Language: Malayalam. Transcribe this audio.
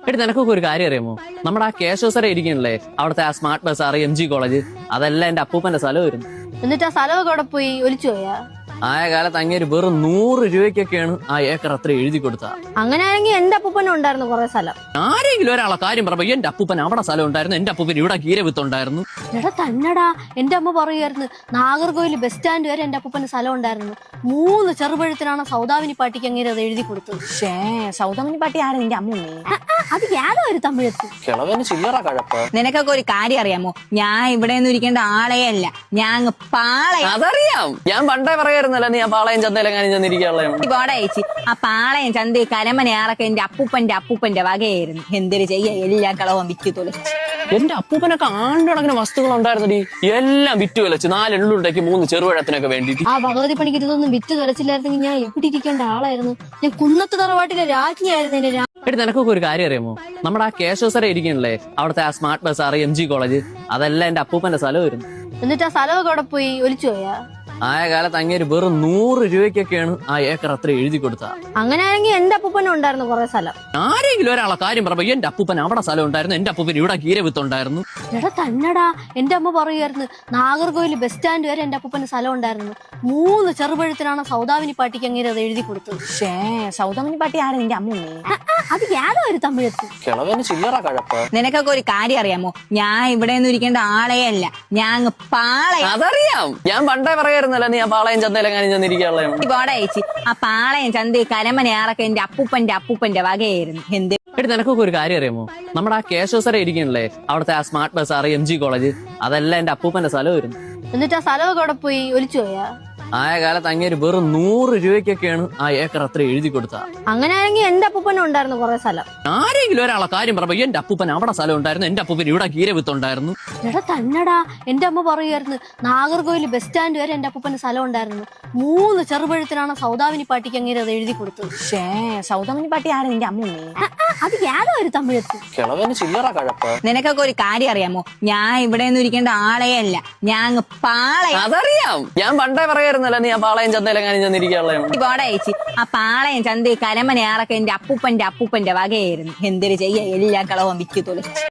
എടി നിനക്കൊക്കെ ഒരു കാര്യം അറിയാമോ? നമ്മുടെ ആ കേശവസര ഇരിക്കണല്ലേ, അവിടുത്തെ ആ സ്മാർട്ട് ബസാർ MG കോളേജ്, അതെല്ലാം എന്റെ അപ്പൂപ്പന്റെ സ്ഥലമായിരുന്നു. എന്നിട്ട് ആ സ്ഥലമൊക്കെ അവിടെ പോയി ഒലിച്ചു പോയാ? ആയ കാലത്ത് അങ്ങേര് വെറും 100 രൂപയ്ക്കൊക്കെയാണ് ആ ഏക്കർ അത്ര എഴുതി കൊടുത്ത. അങ്ങനെയാണെങ്കിൽ എന്റെ അപ്പൂപ്പനും ഉണ്ടായിരുന്നു കുറെ സ്ഥലം. ആരെങ്കിലും ഒരാളെ കാര്യം പറയുമ്പോ എന്റെ അപ്പൂപ്പൻ അവിടെ സ്ഥലം ഉണ്ടായിരുന്നു, എന്റെ അപ്പൂപ്പൻ ഇവിടെ കീരവിത്തുണ്ടായിരുന്നു. എടാ തന്നടാ, എന്റെ അമ്മ പറയുമായിരുന്നു നാഗർകോവിൽ ബസ് സ്റ്റാൻഡ് വരെ എന്റെ അപ്പൂപ്പന് സ്ഥലം ഉണ്ടായിരുന്നു. 3 ചെറുപഴുത്തിനാണ് സൗദാമിനി പാട്ടിക്ക് അങ്ങനെ അത് എഴുതി കൊടുത്തത്. സൗദാമിനി പാട്ടി ആരാ? നിന്റെ അമ്മൂമ്മേ? അത് ഏതോ ഒരു തമിഴത്ത്. കിളവന് ചില്ലറ കഴപ്പ്. നിനക്കൊക്കെ ഒരു കാര്യം അറിയാമോ? ഞാൻ ഇവിടെ ഒന്നും ഇരിക്കേണ്ട ആളേ അല്ല, ഞാൻ പാളയം. അതറിയാം, ഞാൻ പണ്ടേ പറയായിരുന്നല്ലോ നീ ആ പാളയം ചന്തയിലെങ്ങാനും ചെന്നിരിക്കാനുള്ള. പോടയച്ചി, ആ പാളയം ചന്ത കരമനയാറൊക്കെ എന്റെ അപ്പൂപ്പന്റെ വകയായിരുന്നു. എന്തൊരു ചെയ്യ, എല്ലാ കളവും വിറ്റ് തുലച്ചു. എന്റെ അപ്പൂപ്പനൊക്കെ ആണ്ടടങ്ങിന് വസ്തുക്കൾ ഉണ്ടായിരുന്നടി, എല്ലാം വിറ്റ് വിലച്ച് 4 എള്ളുണ്ടാക്കി 3 ചെറുപഴത്തിനൊക്കെ വേണ്ടിട്ട്. ആ ഭഗവതി പണിക്ക് ഇതൊന്നും വിറ്റ് തുലച്ചില്ലായിരുന്നെങ്കിൽ ഞാൻ എവിടെ ഇരിക്കേണ്ട ആളായിരുന്നു. ഞാൻ കുന്നത്ത് തറവാട്ടിലെ രാജ്ഞിയായിരുന്നു. എടി നിനക്കൊക്കെ ഒരു കാര്യം അറിയാമോ? നമ്മുടെ ആ കേശവസര ഇരിക്കണല്ലേ, അവിടുത്തെ ആ സ്മാർട്ട് ബസാർ MG കോളേജ്, അതെല്ലാം എന്റെ അപ്പൂപ്പന്റെ സ്ഥലമായിരുന്നു. എന്നിട്ട് ആ സ്ഥലമൊക്കെ അവിടെ പോയി ഒലിച്ചു പോയാ? ആയ കാലത്ത് അങ്ങേര് വെറും 100 രൂപയ്ക്കൊക്കെയാണ് ആ ഏക്കർ അത്ര എഴുതി കൊടുത്ത. അങ്ങനെയാണെങ്കിൽ എന്റെ അപ്പൂപ്പനും ഉണ്ടായിരുന്നു കുറെ സ്ഥലം. ആരെങ്കിലും ഒരാളെ കാര്യം പറയുമ്പോ എന്റെ അപ്പൂപ്പൻ അവിടെ സ്ഥലം ഉണ്ടായിരുന്നു, എന്റെ അപ്പൂപ്പൻ ഇവിടെ കീരവിത്തുണ്ടായിരുന്നു. എടാ തന്നടാ, എന്റെ അമ്മ പറയുമായിരുന്നു നാഗർകോവിൽ ബസ് സ്റ്റാൻഡ് വരെ എന്റെ അപ്പൂപ്പന് സ്ഥലം ഉണ്ടായിരുന്നു. 3 ചെറുപഴുത്തിനാണ് സൗദാമിനി പാട്ടിക്ക് അങ്ങനെ അത് എഴുതി കൊടുത്തത്. സൗദാമിനി പാട്ടി ആരാ? നിന്റെ അമ്മൂമ്മേ? അത് ഏതോ ഒരു തമിഴത്ത്. കിളവന് ചില്ലറ കഴപ്പ്. നിനക്കൊക്കെ ഒരു കാര്യം അറിയാമോ? ഞാൻ ഇവിടെ ഒന്നും ഇരിക്കേണ്ട ആളേ അല്ല, ഞാൻ പാളയം. അതറിയാം, ഞാൻ പണ്ടേ പറയായിരുന്നല്ലോ നീ ആ പാളയം ചന്തയിലെങ്ങാനും ചെന്നിരിക്കാനുള്ള. പോടയച്ചി, ആ പാളയം ചന്ത കരമനയാറൊക്കെ എന്റെ അപ്പൂപ്പന്റെ വകയായിരുന്നു. എന്ത് എടി നിനക്കൊക്കെ ഒരു കാര്യം അറിയാമോ? നമ്മുടെ ആ കേശവസര ഇരിക്കണല്ലേ, അവിടുത്തെ ആ സ്മാർട്ട് ബസാർ MG കോളേജ്, അതെല്ലാം എന്റെ അപ്പൂപ്പന്റെ സ്ഥലമായിരുന്നു. എന്നിട്ട് ആ സ്ഥലമൊക്കെ അവിടെ പോയി ഒലിച്ചു പോയാ? ആയ കാലത്ത് അങ്ങേര് വെറും 100 രൂപയ്ക്കൊക്കെയാണ് ആ ഏക്കർ അത്ര എഴുതി കൊടുത്ത. അങ്ങനെയാണെങ്കിൽ എന്റെ അപ്പൂപ്പനും ഉണ്ടായിരുന്നു കുറെ സ്ഥലം. ആരെങ്കിലും ഒരാളെ കാര്യം പറയുമ്പോ എന്റെ അപ്പൂപ്പൻ അവിടെ സ്ഥലം ഉണ്ടായിരുന്നു, എന്റെ അപ്പൂപ്പൻ ഇവിടെ കീരവിത്തുണ്ടായിരുന്നു. എടാ തന്നടാ, എന്റെ അമ്മ പറയുമായിരുന്നു നാഗർകോവിൽ ബസ് സ്റ്റാൻഡ് വരെ എന്റെ അപ്പൂപ്പന് സ്ഥലം ഉണ്ടായിരുന്നു. 3 ചെറുപഴുത്തിനാണ് സൗദാമിനി പാട്ടിക്ക് അങ്ങനെ അത് എഴുതി കൊടുത്തത്. സൗദാമിനി പാട്ടി ആരാ? നിന്റെ അമ്മൂമ്മേ? അത് ഏതോ ഒരു തമിഴത്ത്. കിളവന് ചില്ലറ കഴപ്പ്. നിനക്കൊക്കെ ഒരു കാര്യം അറിയാമോ? ഞാൻ ഇവിടെ ഒന്നും ഇരിക്കേണ്ട ആളേ അല്ല, ഞാൻ പാളയം. അതറിയാം, ഞാൻ പണ്ടേ പറയായിരുന്നല്ലോ നീ ആ പാളയം ചന്തയിലെങ്ങാനും ചെന്നിരിക്കാനുള്ള. പോടയച്ചി, ആ പാളയം ചന്ത കരമനയാറൊക്കെ എന്റെ അപ്പൂപ്പന്റെ വകയായിരുന്നു. എന്തൊരു ചെയ്യ, എല്ലാ കളവും വിറ്റ് തുലച്ചു.